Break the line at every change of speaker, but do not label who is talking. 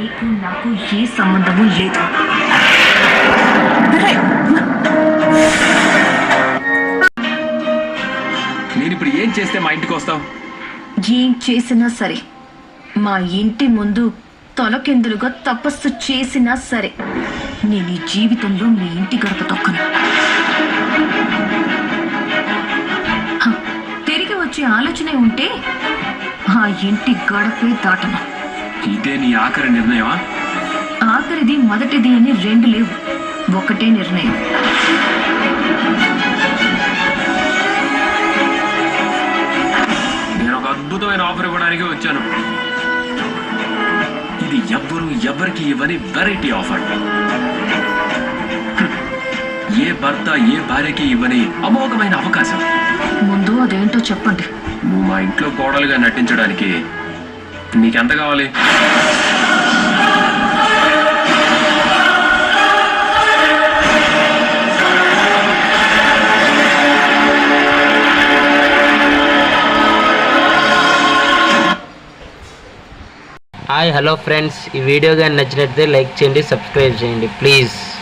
నీకు నాకు ఏ సంబంధము లేదు.
నేను ఇప్పుడు ఏం చేస్తే మా ఇంటికి వస్తావు?
ఏం చేసినా సరే, మా ఇంటి ముందు తలకిందులుగా తపస్సు చేసినా సరే, నేను ఈ జీవితంలో మీ ఇంటి గడప తొక్కను. తిరిగి వచ్చే ఆలోచనే ఉంటే ఆ ఇంటి గడపే దాటను.
ఇదే నీ ఆఖరి నిర్ణయమా?
ఆఖరిది మొదటిది అని రెండు లేవు, ఒకటే నిర్ణయం.
నేను ఒక అద్భుతమైన ఆఫర్ ఇవ్వడానికి వచ్చాను. ఇది ఎవరికి ఇవ్వని వెరైటీ ఆఫర్. ఏ భర్త ఏ భార్యకి ఇవ్వని అమోఘమైన అవకాశం.
ముందు అదేంటో చెప్పండి.
నువ్వు మా ఇంట్లో కోడలుగా నటించడానికి నీకెంత కావాలి?
హాయ్ హలో ఫ్రెండ్స్, ఈ వీడియో కానీ నచ్చినట్లయితే లైక్ చేయండి, సబ్స్క్రైబ్ చేయండి ప్లీజ్.